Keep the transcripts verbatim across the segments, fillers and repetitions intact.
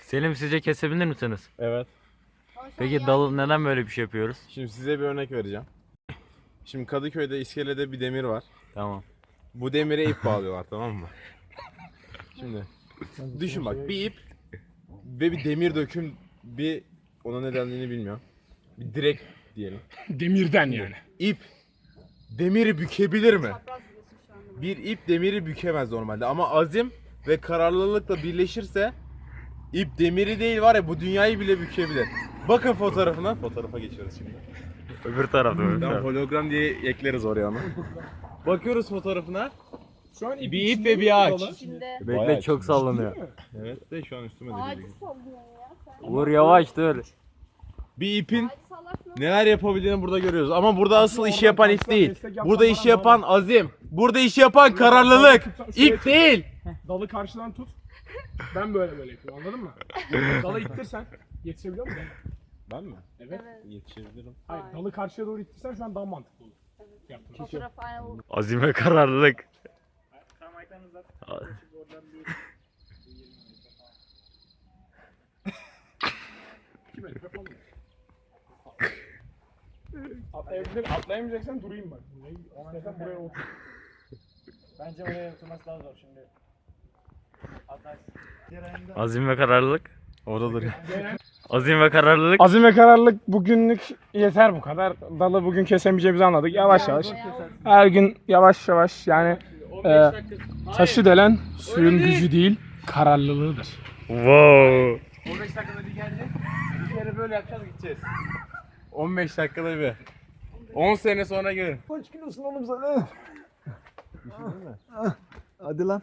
Selim, sizce kesebilir misiniz? Evet. Peki dalı neden böyle bir şey yapıyoruz? Şimdi size bir örnek vereceğim. Şimdi Kadıköy'de iskelede bir demir var. Tamam. Bu demire ip bağlıyorlar, tamam mı? Şimdi düşün bak, bir ip ve bir demir döküm, bir ona ne dendiğini bilmiyorum. Bir direk diyelim. Demirden yani. İp demiri bükebilir mi? Bir ip demiri bükemez normalde ama azim ve kararlılıkla birleşirse ip demiri değil var ya, bu dünyayı bile bükebilir. Bakın fotoğrafına. Fotoğrafa geçiyoruz şimdi. Öbür tarafta öbür Tamam, tarafta. hologram diye ekleriz oraya ama. Bakıyoruz fotoğrafına. Şu an Bir ip ve bir ağaç. İçinde Bekle, Bayağı çok sallanıyor. Evet de şu an üstüme de ağacı geliyor. sallıyor ya. Sen Uğur yavaş dur. Bir ipin ağacı sallarsın. neler yapabildiğini burada görüyoruz. Ama burada asıl işi yapan ip değil. Burada işi yapan azim. Burada işi yapan kararlılık. İp değil. Dalı karşıdan tut. Ben böyle böyle yapıyorum, anladın mı? Dalı ittirsen yetişebiliyor musun? Ben mi? Evet. Evet. Yetişebilirim. Hayır, dalı karşıya doğru ittirsen şu an daha mantıklı olur. Yaptığın şey. Fotoğraf aynen o. Azim ve kararlılık. Tamam, ayaklarını uzat. İki metre falan. Atlayabilir, atlayamayacaksan durayım bak. İstersen buraya otur. Bence oraya oturması daha zor şimdi. Atarsın. Azim ve kararlılık. Oradadır. Azim ve kararlılık. Azim ve kararlılık bugünlük yeter bu kadar. Dalı bugün kesemeyeceğimizi anladık. Yavaş yavaş. Her gün yavaş yavaş yani e, taşı delen suyun gücü değil kararlılığıdır. Wow. on beş dakikada bir gelecek. Bir kere böyle yapacağız, gideceğiz. on beş dakikada bir. on sene sonra görün. Kaç kilosun oğlum sen? Hadi lan.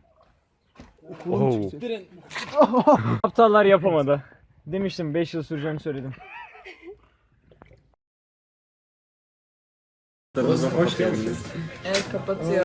Oh. Aptallar yapamadı. Demiştim beş yıl süreceğini söyledim. Evet, kapatıyor.